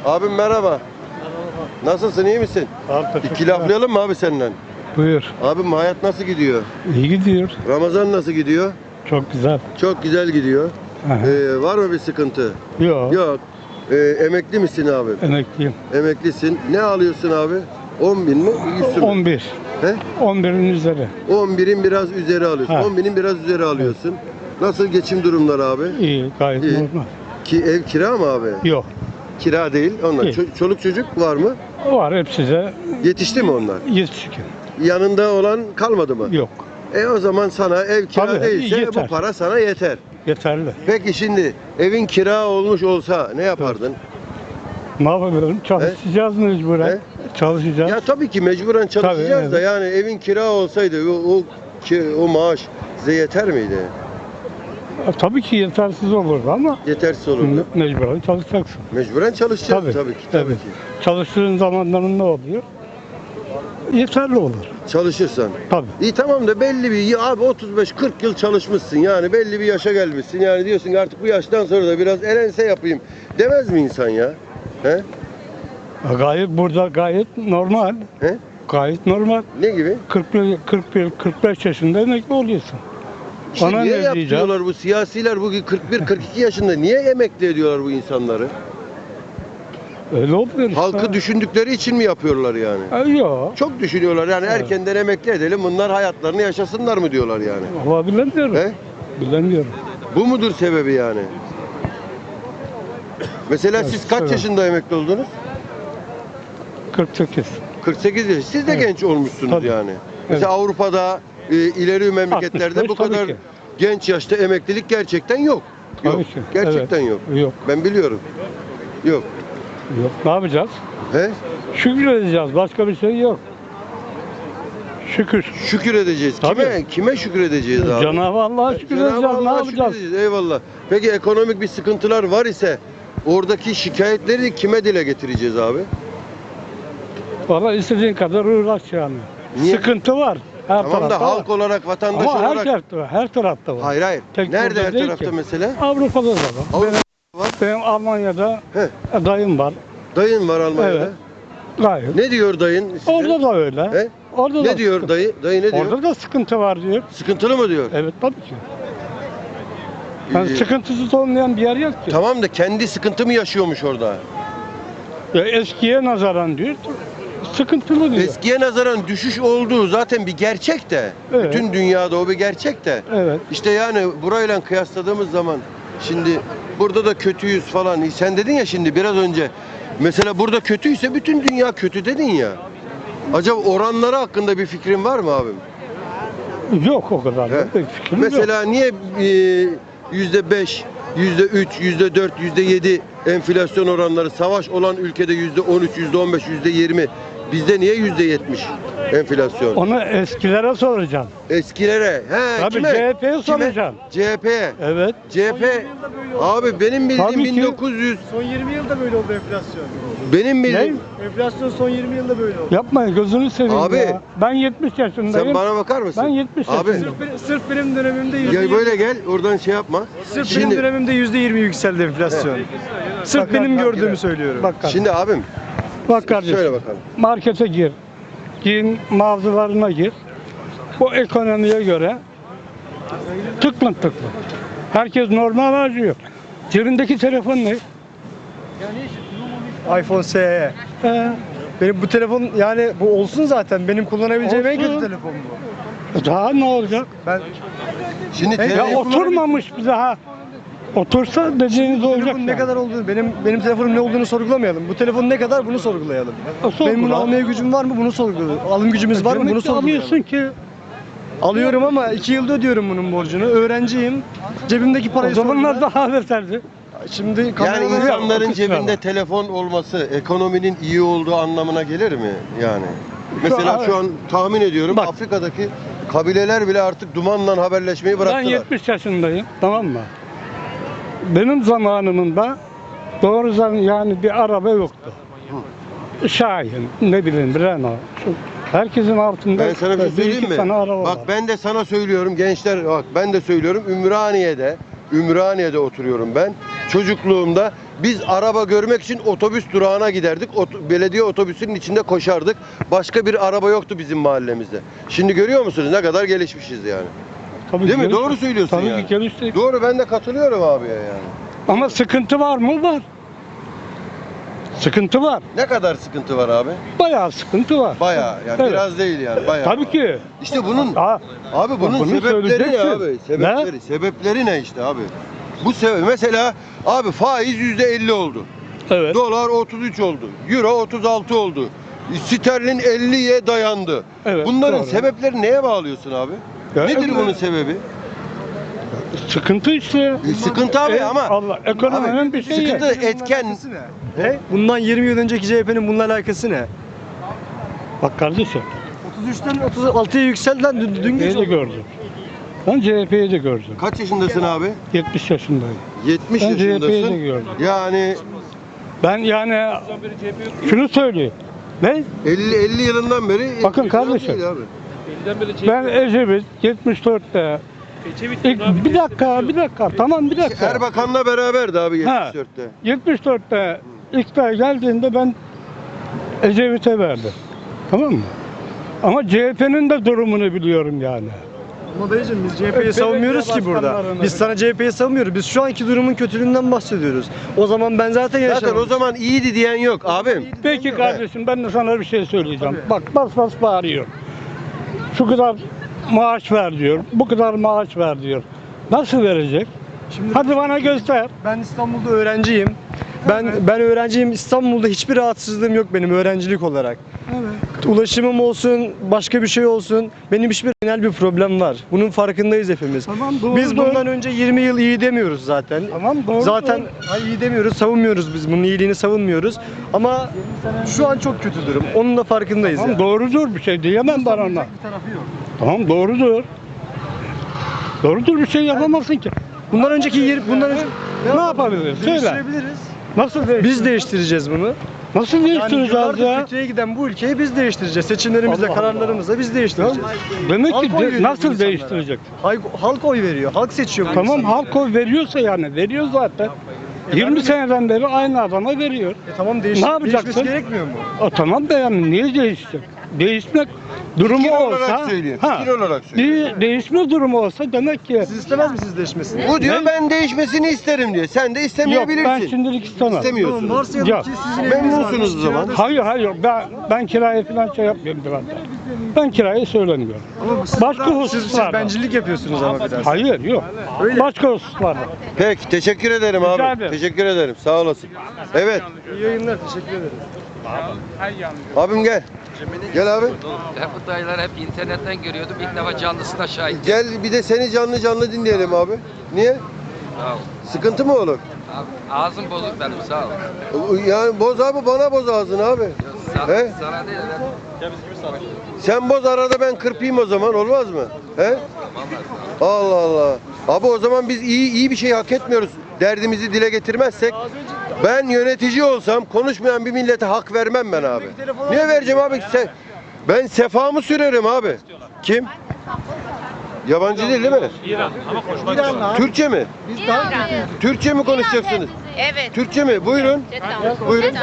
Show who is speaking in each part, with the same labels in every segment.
Speaker 1: Abim merhaba. Nasılsın, iyi misin? İki laflayalım mı abi senden?
Speaker 2: Buyur.
Speaker 1: Abim hayat nasıl gidiyor?
Speaker 2: İyi gidiyor.
Speaker 1: Ramazan nasıl gidiyor?
Speaker 2: Çok güzel.
Speaker 1: Çok güzel gidiyor.
Speaker 2: Aha.
Speaker 1: Var mı bir sıkıntı?
Speaker 2: Yok.
Speaker 1: Yok. Emekli misin abi?
Speaker 2: Emekliyim.
Speaker 1: Emeklisin. Ne alıyorsun abi? 10 bin mi? 100 mü?
Speaker 2: 11.
Speaker 1: He?
Speaker 2: 11'in üzeri.
Speaker 1: 11'in biraz üzeri alıyorsun.
Speaker 2: Ha.
Speaker 1: 10 binin biraz üzeri alıyorsun. Nasıl geçim durumları abi?
Speaker 2: İyi. Gayet
Speaker 1: İyi.
Speaker 2: normal.
Speaker 1: Ki ev kira mı abi?
Speaker 2: Yok.
Speaker 1: Kira değil. Onlar.
Speaker 2: İyi.
Speaker 1: Çoluk çocuk var mı?
Speaker 2: Var hepsi de
Speaker 1: Yetişti mi onlar?
Speaker 2: yetişkin.
Speaker 1: Yanında olan kalmadı mı?
Speaker 2: Yok.
Speaker 1: O zaman sana ev kira
Speaker 2: Tabii,
Speaker 1: değilse
Speaker 2: yeter.
Speaker 1: bu para sana yeter.
Speaker 2: Yeterli.
Speaker 1: Peki şimdi evin kira olmuş olsa ne yapardın?
Speaker 2: Ne yapabilirim? Çalışacağız mecburen.
Speaker 1: He?
Speaker 2: Çalışacağız.
Speaker 1: Ya tabii ki mecburen çalışacağız
Speaker 2: Tabii,
Speaker 1: da
Speaker 2: evet.
Speaker 1: yani evin kira olsaydı o maaş size yeter miydi?
Speaker 2: Tabii ki yetersiz olurdu ama
Speaker 1: Yetersiz olurdu.
Speaker 2: mecburen çalışacaksın.
Speaker 1: Mecburen çalışacağız tabii ki. Tabii ki.
Speaker 2: Çalıştığın zamanların ne oluyor? Yeterli olur.
Speaker 1: Çalışırsan.
Speaker 2: Tabii.
Speaker 1: İyi tamam da belli bir abi 35-40 yıl çalışmışsın yani belli bir yaşa gelmişsin yani diyorsun ki artık bu yaştan sonra da biraz elense yapayım demez mi insan ya? He?
Speaker 2: Gayet normal.
Speaker 1: He?
Speaker 2: Gayet normal.
Speaker 1: Ne gibi?
Speaker 2: 45 yaşında emekli oluyorsun.
Speaker 1: İşte
Speaker 2: Ona
Speaker 1: niye
Speaker 2: ne diyeceğim?
Speaker 1: yapıyorlar bu siyasiler bu 41-42 yaşında niye emekli ediyorlar bu insanları?
Speaker 2: Öyle oluyor işte.
Speaker 1: Halkı düşündükleri için mi yapıyorlar yani?
Speaker 2: Yok.
Speaker 1: Çok düşünüyorlar yani
Speaker 2: Evet.
Speaker 1: erkenden emekli edelim bunlar hayatlarını yaşasınlar mı diyorlar yani.
Speaker 2: Ama bilemiyorum.
Speaker 1: He?
Speaker 2: Bilemiyorum.
Speaker 1: Bu mudur sebebi yani? Mesela
Speaker 2: Evet,
Speaker 1: siz kaç
Speaker 2: sebep.
Speaker 1: yaşında emekli oldunuz?
Speaker 2: 48.
Speaker 1: 48 yaş. Siz de
Speaker 2: Evet.
Speaker 1: genç olmuşsunuz
Speaker 2: Tabii.
Speaker 1: yani. Mesela Avrupa'da ileri memleketlerde
Speaker 2: 65
Speaker 1: bu kadar
Speaker 2: tabii ki.
Speaker 1: genç yaşta emeklilik gerçekten yok. Yok.
Speaker 2: Tabii ki.
Speaker 1: Gerçekten
Speaker 2: Evet.
Speaker 1: yok.
Speaker 2: Yok.
Speaker 1: Ben biliyorum. Yok.
Speaker 2: Yok. Ne yapacağız?
Speaker 1: He?
Speaker 2: Şükür edeceğiz. Başka bir şey yok. Şükür.
Speaker 1: Şükür edeceğiz. Kime?
Speaker 2: Tabii.
Speaker 1: Kime şükür edeceğiz abi?
Speaker 2: Cenab-ı Allah'a şükür
Speaker 1: Cenab-ı
Speaker 2: edeceğiz. Ne
Speaker 1: Allah'a şükür
Speaker 2: yapacağız?
Speaker 1: edeceğiz. Eyvallah. Peki ekonomik bir sıkıntılar var ise oradaki şikayetleri kime dile getireceğiz abi?
Speaker 2: Valla istediğin kadar uğraş yani.
Speaker 1: Niye?
Speaker 2: Sıkıntı var. Her
Speaker 1: Tamam da
Speaker 2: tarafta
Speaker 1: halk
Speaker 2: var.
Speaker 1: olarak, vatandaş
Speaker 2: Ama
Speaker 1: olarak.
Speaker 2: her tarafta var.
Speaker 1: Hayır hayır.
Speaker 2: Tek
Speaker 1: Nerede
Speaker 2: burada
Speaker 1: her
Speaker 2: değil
Speaker 1: tarafta
Speaker 2: ki.
Speaker 1: mesela?
Speaker 2: Avrupa'da da var.
Speaker 1: Avrupa'da var.
Speaker 2: Benim Almanya'da
Speaker 1: He.
Speaker 2: dayım var.
Speaker 1: Dayın var Almanya'da.
Speaker 2: Evet. Gayet.
Speaker 1: Ne diyor dayın size?
Speaker 2: Orada da öyle.
Speaker 1: He?
Speaker 2: Orada da
Speaker 1: Ne diyor
Speaker 2: sıkıntı.
Speaker 1: dayı? Dayı ne diyor?
Speaker 2: Orada da sıkıntı var diyor.
Speaker 1: Sıkıntılı mı diyor?
Speaker 2: Evet tabii ki. Yani
Speaker 1: Ee,
Speaker 2: sıkıntısız olmayan bir yer yok ki.
Speaker 1: Tamam da kendi sıkıntı mı yaşıyormuş orada?
Speaker 2: Ya eskiye nazaran diyor. Sıkıntılı diyor.
Speaker 1: Eskiye nazaran düşüş olduğu zaten bir gerçek de.
Speaker 2: Evet.
Speaker 1: Bütün dünyada o bir gerçek de.
Speaker 2: Evet.
Speaker 1: İşte yani burayla kıyasladığımız zaman şimdi burada da kötüyüz falan. Sen dedin ya şimdi biraz önce. Mesela burada kötüyse bütün dünya kötü dedin ya. Acaba oranları hakkında bir fikrin var mı abim?
Speaker 2: Yok o kadar.
Speaker 1: He.
Speaker 2: da bir fikrim yok.
Speaker 1: Mesela niye %5, %3, %4, %7 enflasyon oranları savaş olan ülkede %13, %15, %20 bizde niye %70 enflasyon?
Speaker 2: Onu eskilere soracağım.
Speaker 1: Eskilere. He,
Speaker 2: Tabii
Speaker 1: kime?
Speaker 2: CHP'ye
Speaker 1: Kime?
Speaker 2: soracağım.
Speaker 1: CHP'ye.
Speaker 2: Evet.
Speaker 1: CHP abi benim bildiğim
Speaker 2: Tabii ki.
Speaker 1: 1900
Speaker 3: Son 20 yılda böyle oldu enflasyon.
Speaker 1: benim bildiğim
Speaker 3: Enflasyon son 20 yılda böyle oldu.
Speaker 2: Yapmayın gözünü seveyim
Speaker 1: Abi.
Speaker 2: ya. Ben 70 yaşındayım.
Speaker 1: sen bana bakar mısın?
Speaker 2: Ben 70
Speaker 1: Abi
Speaker 2: yaşındayım.
Speaker 3: Sırf benim dönemimde
Speaker 1: gel böyle gel oradan şey yapma.
Speaker 3: Sırf benim dönemimde %20 yükseldi enflasyon. Sırf
Speaker 2: Bak,
Speaker 3: benim
Speaker 2: bak,
Speaker 3: gördüğümü söylüyorum.
Speaker 2: Bak kardeşim.
Speaker 1: Şimdi abim
Speaker 2: Bak kardeşim.
Speaker 1: söyle bakalım.
Speaker 2: Markete gir. Giyim mağazalarına gir. Bu ekonomiye göre tıklım tıklım. Herkes normal harcıyor. Cebindeki telefon ne?
Speaker 3: iPhone SE. Benim bu telefon yani bu olsun zaten. Benim kullanabileceğim en
Speaker 2: Olsun.
Speaker 3: kötü telefon bu.
Speaker 2: Daha ne olacak?
Speaker 3: Ben
Speaker 1: Şimdi
Speaker 3: Ya
Speaker 2: Ya
Speaker 1: telefon-
Speaker 2: oturmamış bir daha. Otursa dediğiniz
Speaker 3: bu
Speaker 2: olacak.
Speaker 3: telefonun ne
Speaker 2: yani.
Speaker 3: kadar olduğunu, benim telefonum ne olduğunu sorgulamayalım. Bu telefon ne kadar bunu sorgulayalım.
Speaker 2: Sorgula.
Speaker 3: Benim bunu almaya gücüm var mı bunu sorgulayalım. Alım gücümüz var mı
Speaker 2: Demek
Speaker 3: bunu
Speaker 2: ki
Speaker 3: sorgulayalım.
Speaker 2: alıyorsun ki.
Speaker 3: Alıyorum ama 2 yılda ödüyorum bunun borcunu. Öğrenciyim. Cebimdeki
Speaker 2: O
Speaker 3: parayı
Speaker 2: zamanlar
Speaker 3: sorgula.
Speaker 2: daha beterdi.
Speaker 3: Şimdi
Speaker 1: Yani
Speaker 3: kameralar
Speaker 1: insanların
Speaker 2: o kısmı
Speaker 1: cebinde
Speaker 2: var.
Speaker 1: telefon olması ekonominin iyi olduğu anlamına gelir mi yani? Mesela şu an tahmin ediyorum
Speaker 2: Bak.
Speaker 1: Afrika'daki kabileler bile artık dumanla haberleşmeyi
Speaker 2: Ben
Speaker 1: bıraktılar.
Speaker 2: 70 yaşındayım, tamam mı? Benim zamanımda doğrudan yani bir araba yoktu. Şahin, ne bileyim Renault. Herkesin altında
Speaker 1: Ben sana bir şey
Speaker 2: bir
Speaker 1: söyleyeyim
Speaker 2: iki
Speaker 1: mi?
Speaker 2: tane araba
Speaker 1: Bak
Speaker 2: var.
Speaker 1: ben de sana söylüyorum gençler bak ben de söylüyorum Ümraniye'de oturuyorum ben. çocukluğumda biz araba görmek için otobüs durağına giderdik. Belediye otobüsünün içinde koşardık. Başka bir araba yoktu bizim mahallemizde. Şimdi görüyor musunuz ne kadar gelişmişiz yani.
Speaker 2: Tabii
Speaker 1: Değil mi?
Speaker 2: gelişti.
Speaker 1: Doğru söylüyorsun
Speaker 2: Tabii
Speaker 1: yani.
Speaker 2: ki gelişti.
Speaker 1: Doğru, ben de katılıyorum abiye yani.
Speaker 2: Ama sıkıntı var mı? Var. Sıkıntı var.
Speaker 1: Ne kadar sıkıntı var abi?
Speaker 2: Bayağı sıkıntı var.
Speaker 1: Bayağı yani
Speaker 2: Evet.
Speaker 1: biraz değil yani bayağı.
Speaker 2: Tabii ki.
Speaker 1: İşte bunun
Speaker 2: Aa,
Speaker 1: abi bunun
Speaker 2: bunu
Speaker 1: sebepleri ne
Speaker 2: söyleyeceksin.
Speaker 1: abi? Sebepleri. Sebepleri ne işte abi? Bu mesela abi faiz %50 oldu.
Speaker 2: evet.
Speaker 1: Dolar 33 oldu. Euro 36 oldu. Sterlin 50'ye dayandı.
Speaker 2: Evet,
Speaker 1: Bunların
Speaker 2: doğru.
Speaker 1: sebepleri neye bağlıyorsun abi?
Speaker 2: Ya,
Speaker 1: Nedir
Speaker 2: evet.
Speaker 1: bunun sebebi?
Speaker 2: Sıkıntı işte.
Speaker 1: Sıkıntı abi ama
Speaker 2: Allah ekonominin
Speaker 1: abi,
Speaker 2: bir şeyi.
Speaker 1: sıkıntı etken.
Speaker 3: Ne? Bundan 20 yıl önceki CHP'nin bununla alakası ne?
Speaker 2: Bak kardeşim.
Speaker 3: 33'ten 36'ya yükseldiler dün
Speaker 2: CHP'yi
Speaker 3: gece.
Speaker 2: de gördüm. Ben CHP'yi de gördüm.
Speaker 1: Kaç yaşındasın abi?
Speaker 2: 70 yaşındayım.
Speaker 1: 70
Speaker 2: Ben CHP'yi de
Speaker 1: yaşındasın.
Speaker 2: gördüm.
Speaker 1: Yani
Speaker 2: Ben yani şunu söyleyeyim. Ne?
Speaker 1: 50 yılından beri
Speaker 2: Bakın
Speaker 1: 70 yıl
Speaker 2: kardeşim.
Speaker 1: değil abi.
Speaker 2: Ben Ecevit 74'te bir dakika tamam bir dakika.
Speaker 1: Erbakan'la beraberdi abi
Speaker 2: Ha.
Speaker 1: 74'te.
Speaker 2: 74'te iktidar geldiğinde ben Ecevit'e verdim. Tamam mı? Ama CHP'nin de durumunu biliyorum yani.
Speaker 3: Ama dayıcım biz CHP'yi
Speaker 2: Belediye
Speaker 3: savunmuyoruz ki burada.
Speaker 2: başkanlarına-
Speaker 3: Biz sana CHP'yi savunmuyoruz. Biz şu anki durumun kötülüğünden bahsediyoruz. O zaman ben zaten yaşamadım.
Speaker 1: Zaten o zaman iyiydi diyen yok abim.
Speaker 2: Peki kardeşim ben de sana bir şey söyleyeceğim. Bak bas bas bağırıyor. Şu kadar maaş ver diyor. Bu kadar maaş ver diyor. Nasıl verecek?
Speaker 3: Şimdi
Speaker 2: Hadi bana göster.
Speaker 3: ben İstanbul'da öğrenciyim. Ben öğrenciyim. İstanbul'da hiçbir rahatsızlığım yok benim öğrencilik olarak. Ulaşımım olsun, başka bir şey olsun. Benim hiçbir genel bir problem var. Bunun farkındayız hepimiz.
Speaker 2: Tamam, doğru,
Speaker 3: Biz
Speaker 2: doğru.
Speaker 3: bundan önce 20 yıl iyi demiyoruz zaten.
Speaker 2: Tamam doğru.
Speaker 3: Zaten
Speaker 2: doğru.
Speaker 3: hayır, iyi demiyoruz, savunmuyoruz biz. Bunun iyiliğini savunmuyoruz. Ama şu an çok kötü durum. Onun da farkındayız
Speaker 2: Tamam
Speaker 3: yani.
Speaker 2: doğrudur bir şey diyemem ben ona.
Speaker 3: Bir tarafı yok.
Speaker 2: Tamam doğrudur. Doğrudur bir şey yapamazsın ki.
Speaker 3: Bundan önce
Speaker 2: Ne yapabiliriz? Söyle.
Speaker 3: Değiştirebiliriz.
Speaker 2: Nasıl değiştireceğiz?
Speaker 3: Biz değiştireceğiz bunu.
Speaker 2: Nasıl
Speaker 3: Yani
Speaker 2: değiştireceğiz
Speaker 3: yıllardır
Speaker 2: ya?
Speaker 3: kötüye giden bu ülkeyi biz değiştireceğiz. Seçimlerimizle,
Speaker 2: Allah
Speaker 3: kararlarımızla biz değiştireceğiz.
Speaker 2: Demek
Speaker 3: Halk
Speaker 2: ki
Speaker 3: oy veriyor bu
Speaker 2: nasıl
Speaker 3: insanlara.
Speaker 2: değiştirecek?
Speaker 3: Halk oy veriyor. Halk seçiyor bu
Speaker 2: Tamam
Speaker 3: insanları.
Speaker 2: halk oy veriyorsa yani veriyor zaten. 20 seneden beri aynı adama veriyor.
Speaker 3: Tamam
Speaker 2: Ne yapacaksın?
Speaker 3: değişmesi gerekmiyor mu?
Speaker 2: Tamam da yani niye değişecek? Değişmek durumu
Speaker 1: Fikir olarak
Speaker 2: olsa,
Speaker 1: söylüyor, fikir olarak söylüyor.
Speaker 2: bir değişme durumu olsa demek ki
Speaker 3: Siz istemez misiniz değişmesini?
Speaker 1: Bu diyor
Speaker 2: Ne?
Speaker 1: ben değişmesini isterim diyor. Sen de
Speaker 2: yok
Speaker 1: istemeyebilirsin.
Speaker 2: ben şimdilik istemem.
Speaker 1: İstemiyorsun.
Speaker 3: Tamam, varsayalım
Speaker 2: Yok.
Speaker 3: ki sizin eviniz
Speaker 1: Memnunsunuz
Speaker 3: var.
Speaker 1: o zaman.
Speaker 2: Hayır ben kiraya falan şey yapmıyorum birader. Ben kirayı söylemiyorum.
Speaker 3: Ama
Speaker 2: Başka
Speaker 3: siz
Speaker 2: hususlarda.
Speaker 3: bencillik yapıyorsunuz ama biraz.
Speaker 2: Hayır yok.
Speaker 3: Öyle.
Speaker 2: Başka hususlarda.
Speaker 1: Peki teşekkür ederim
Speaker 2: Rica
Speaker 1: abi.
Speaker 2: ederim.
Speaker 1: Teşekkür ederim. Sağ olasın. Evet.
Speaker 3: İyi yayınlar, teşekkür ederim.
Speaker 1: Abim gel. Gel abi.
Speaker 4: Ben bu dayıları hep internetten görüyordum. İlk defa canlısına şahit.
Speaker 1: Gel bir de seni canlı dinleyelim abi. Niye?
Speaker 4: Sağ ol.
Speaker 1: Sıkıntı mı olur?
Speaker 4: Abi, ağzım bozuk benim sağ ol.
Speaker 1: Yani boz abi bana boz ağzını abi. He?
Speaker 4: Sana değil ben.
Speaker 1: Sen boz arada ben kırpayım o zaman olmaz mı? He? Allah Allah. Abi o zaman biz iyi bir şey hak etmiyoruz. Derdimizi dile getirmezsek ben yönetici olsam konuşmayan bir millete hak vermem ben abi. Niye vereceğim abi? Ben sefamı sürerim abi. Kim? Yabancı değil mi?
Speaker 5: İran ama konuşmak
Speaker 1: Türkçe mi? Türkçe mi konuşacaksınız?
Speaker 6: Evet.
Speaker 1: Türkçe mi? Buyurun. Buyurun.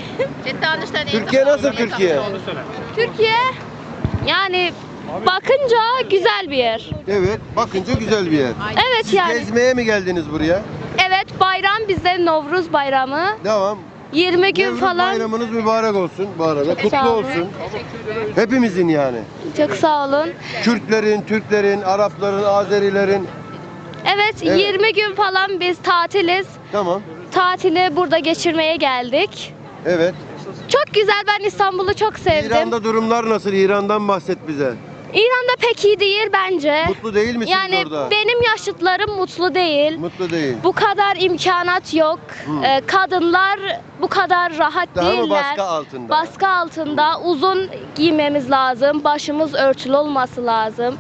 Speaker 1: Türkiye nasıl Türkiye?
Speaker 6: Türkiye yani bakınca güzel bir yer.
Speaker 1: Evet, bakınca güzel bir yer.
Speaker 6: Evet
Speaker 1: Siz
Speaker 6: yani.
Speaker 1: gezmeye mi geldiniz buraya?
Speaker 6: Evet bayram bizde Novruz bayramı.
Speaker 1: Devam.
Speaker 6: 20 gün
Speaker 1: Nevruz
Speaker 6: falan.
Speaker 1: bayramınız mübarek olsun bu arada.
Speaker 6: Çok
Speaker 1: Kutlu
Speaker 6: sağ olun.
Speaker 1: olsun. Hepimizin yani.
Speaker 6: Çok sağ olun.
Speaker 1: Kürtlerin, Türklerin, Arapların, Azerilerin.
Speaker 6: Evet,
Speaker 1: Evet.
Speaker 6: 20 gün falan biz tatiliz.
Speaker 1: Tamam.
Speaker 6: Tatili burada geçirmeye geldik.
Speaker 1: Evet.
Speaker 6: Çok güzel, ben İstanbul'u çok sevdim.
Speaker 1: İran'da durumlar nasıl? İran'dan bahset bize.
Speaker 6: İran'da pek iyi değil bence.
Speaker 1: Mutlu değil misiniz
Speaker 6: Yani
Speaker 1: orada?
Speaker 6: benim yaşıtlarım mutlu değil.
Speaker 1: Mutlu değil.
Speaker 6: Bu kadar imkanat yok. Kadınlar bu kadar rahat
Speaker 1: Daha mı
Speaker 6: değiller.
Speaker 1: baskı altında?
Speaker 6: Baskı altında. Uzun giymemiz lazım. Başımız örtülü olması lazım.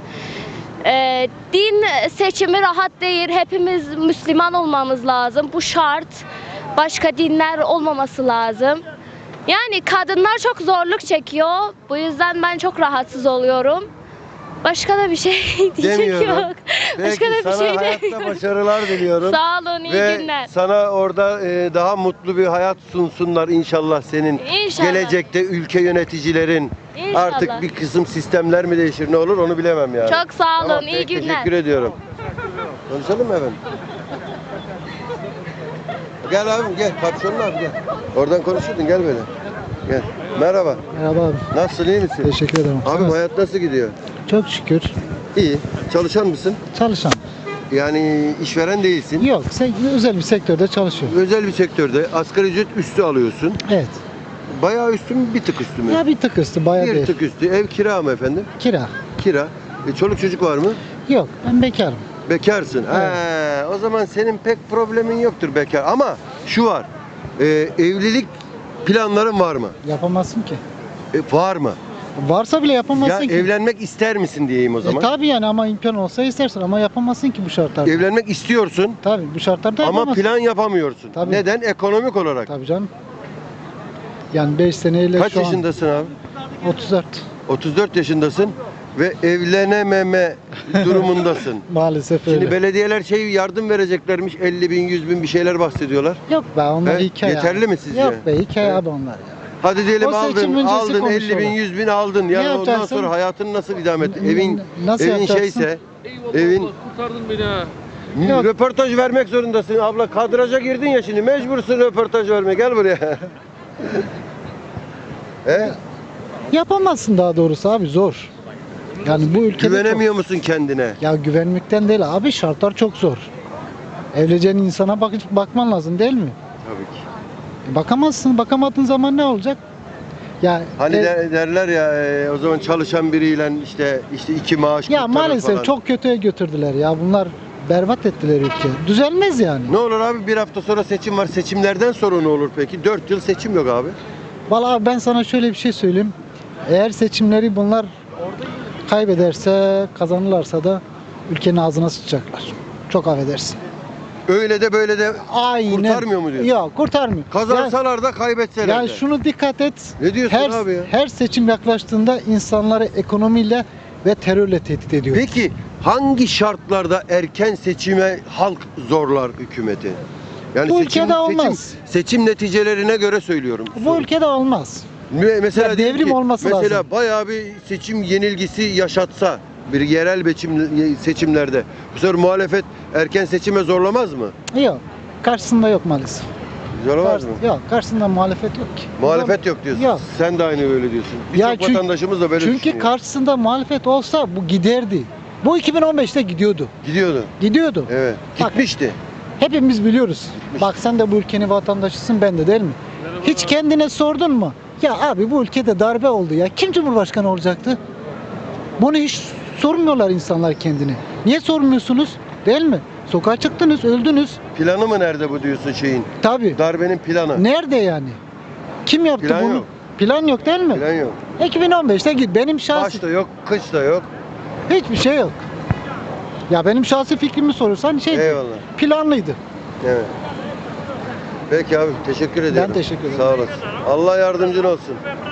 Speaker 6: Din seçimi rahat değil. Hepimiz Müslüman olmamız lazım. Bu şart. Başka dinler olmaması lazım. Yani kadınlar çok zorluk çekiyor. Bu yüzden ben çok rahatsız oluyorum. Başka da bir şey diyecek
Speaker 1: Demiyorum.
Speaker 6: yok. Başka
Speaker 1: Peki
Speaker 6: da bir
Speaker 1: sana
Speaker 6: şey
Speaker 1: hayatta
Speaker 6: demiyorum.
Speaker 1: başarılar diliyorum.
Speaker 6: Sağ olun, iyi
Speaker 1: Ve
Speaker 6: günler.
Speaker 1: sana orada daha mutlu bir hayat sunsunlar inşallah senin.
Speaker 6: İnşallah.
Speaker 1: Gelecekte ülke yöneticilerin
Speaker 6: İnşallah.
Speaker 1: artık bir kısım sistemler mi değişir ne olur onu bilemem yani.
Speaker 6: Çok sağ olun,
Speaker 1: Tamam,
Speaker 6: iyi
Speaker 1: peki,
Speaker 6: günler.
Speaker 1: Teşekkür ediyorum. Konuşalım mı efendim? Gel abim gel. Kapşonlu abi gel. Oradan konuşurdun gel böyle. Gel. Merhaba.
Speaker 7: Merhaba abi.
Speaker 1: Nasılsın iyi misin?
Speaker 7: Teşekkür ederim.
Speaker 1: Abi hayat nasıl gidiyor?
Speaker 7: Çok şükür
Speaker 1: İyi. Çalışan mısın?
Speaker 7: çalışan.
Speaker 1: Yani işveren değilsin.
Speaker 7: Yok, özel bir sektörde çalışıyorum.
Speaker 1: Özel bir sektörde asgari ücret üstü alıyorsun.
Speaker 7: Evet.
Speaker 1: Bayağı üstü mü bir tık üstü mü?
Speaker 7: Ya bir tık üstü, bayağı
Speaker 1: Bir
Speaker 7: değil.
Speaker 1: tık üstü. Ev kira mı efendim?
Speaker 7: Kira.
Speaker 1: Kira. Çoluk çocuk var mı?
Speaker 7: Yok, ben bekarım.
Speaker 1: Bekarsın. He, o zaman senin pek problemin yoktur bekar. Ama şu var. Evlilik planların var mı?
Speaker 7: Yapamazsın ki.
Speaker 1: Var mı?
Speaker 7: Varsa bile
Speaker 1: Ya
Speaker 7: yapamazsın ki.
Speaker 1: evlenmek ister misin diyeyim o zaman.
Speaker 7: Tabii yani ama imkan olsa istersin ama yapamazsın ki bu şartlarda.
Speaker 1: Evlenmek istiyorsun
Speaker 7: Tabii bu şartlarda
Speaker 1: ama
Speaker 7: yapamazsın.
Speaker 1: plan yapamıyorsun.
Speaker 7: Tabii.
Speaker 1: Neden? Ekonomik olarak.
Speaker 7: Tabii canım. Yani 5 seneyle
Speaker 1: Kaç
Speaker 7: şu
Speaker 1: yaşındasın abi?
Speaker 7: an 34
Speaker 1: 34 yaşındasın ve evlenememe durumundasın.
Speaker 7: maalesef öyle.
Speaker 1: Şimdi belediyeler yardım vereceklermiş 50 bin 100 bin bir şeyler bahsediyorlar.
Speaker 7: Yok be onlar
Speaker 1: He?
Speaker 7: hikaye.
Speaker 1: Yeterli
Speaker 7: abi.
Speaker 1: mi sizce?
Speaker 7: Yok be hikaye
Speaker 1: He?
Speaker 7: abi onlar ya.
Speaker 1: Hadi diyelim
Speaker 7: O seçim öncesi
Speaker 1: aldın 50 bin
Speaker 7: konuşuyorlar.
Speaker 1: 100 bin aldın. Yani
Speaker 7: Ne
Speaker 1: ondan
Speaker 7: yapacaksın?
Speaker 1: sonra hayatını nasıl idame et? Evin
Speaker 7: Nasıl
Speaker 1: evin
Speaker 7: yapacaksın?
Speaker 1: şeyse evin
Speaker 5: Kurtardın beni ha.
Speaker 7: Yok.
Speaker 1: röportaj vermek zorundasın. Abla kadraja girdin ya şimdi mecbursun röportaj vermeye. Gel buraya.
Speaker 7: Yapamazsın daha doğrusu abi zor. Yani bu ülkede
Speaker 1: Güvenemiyor musun kendine?
Speaker 7: Ya güvenmekten değil abi şartlar çok zor. Evleneceğin insana bakman lazım değil mi?
Speaker 1: Tabii ki.
Speaker 7: Bakamazsın. Bakamadığın zaman ne olacak? Ya
Speaker 1: Hani derler ya o zaman çalışan biriyle işte iki maaş
Speaker 7: ya
Speaker 1: kurtarır
Speaker 7: maalesef
Speaker 1: falan.
Speaker 7: çok kötüye götürdüler ya. Bunlar berbat ettiler ülke. Düzelmez yani.
Speaker 1: Ne olur abi bir hafta sonra seçim var. Seçimlerden sonra ne olur peki? 4 yıl seçim yok abi.
Speaker 7: Vallahi abi ben sana şöyle bir şey söyleyeyim. Eğer seçimleri bunlar kaybederse, kazanırlarsa da ülkenin ağzına sıçacaklar. Çok affedersin.
Speaker 1: Öyle de böyle de
Speaker 7: Aynen.
Speaker 1: kurtarmıyor mu diyorsun?
Speaker 7: Yok kurtarmıyor.
Speaker 1: Kazansalar da kaybetseler
Speaker 7: Ya
Speaker 1: de.
Speaker 7: şunu dikkat et.
Speaker 1: Ne diyorsun
Speaker 7: her,
Speaker 1: abi ya?
Speaker 7: Her seçim yaklaştığında insanları ekonomiyle ve terörle tehdit ediyor.
Speaker 1: Peki hangi şartlarda erken seçime halk zorlar hükümeti? Yani
Speaker 7: Bu ülkede olmaz.
Speaker 1: Seçim neticelerine göre söylüyorum.
Speaker 7: Bu ülkede olmaz.
Speaker 1: Mesela
Speaker 7: Ya
Speaker 1: diyelim
Speaker 7: devrim
Speaker 1: ki,
Speaker 7: olması
Speaker 1: mesela
Speaker 7: lazım.
Speaker 1: bayağı bir seçim yenilgisi yaşatsa bir yerel seçimlerde bu sefer muhalefet erken seçime zorlamaz mı?
Speaker 7: Yok. Karşısında yok maalesef.
Speaker 1: Zorlamaz mı?
Speaker 7: Yok. Karşısında muhalefet yok ki.
Speaker 1: Muhalefet yok diyorsun.
Speaker 7: Yok.
Speaker 1: Sen de aynı öyle diyorsun.
Speaker 7: Ya
Speaker 1: Birçok vatandaşımız da böyle
Speaker 7: Çünkü
Speaker 1: düşünüyor.
Speaker 7: karşısında muhalefet olsa bu giderdi. Bu 2015'te gidiyordu.
Speaker 1: Gidiyordu.
Speaker 7: Gidiyordu.
Speaker 1: Evet.
Speaker 7: Bak,
Speaker 1: Gitmişti.
Speaker 7: Hepimiz biliyoruz. Bak sen de bu ülkenin vatandaşısın ben de değil mi? Hiç kendine sordun mu? Ya abi bu ülkede darbe oldu ya. Kim cumhurbaşkanı olacaktı? Bunu hiç sormuyorlar insanlar kendini. Niye sormuyorsunuz? Değil mi? Sokağa çıktınız, öldünüz.
Speaker 1: Planı mı nerede bu diyorsun şeyin?
Speaker 7: Tabii.
Speaker 1: Darbenin planı.
Speaker 7: Nerede yani? Kim yaptı
Speaker 1: Plan
Speaker 7: bunu?
Speaker 1: yok.
Speaker 7: Plan yok değil mi?
Speaker 1: Plan yok.
Speaker 7: 2015'te git. Benim şahsi
Speaker 1: Baş da yok, kış da yok.
Speaker 7: hiçbir şey yok. Ya benim şahsi fikrimi sorursan
Speaker 1: Eyvallah.
Speaker 7: planlıydı.
Speaker 1: Evet. Peki abi teşekkür ediyorum.
Speaker 7: teşekkür ederim.
Speaker 1: Sağ olasın. Allah yardımcın olsun.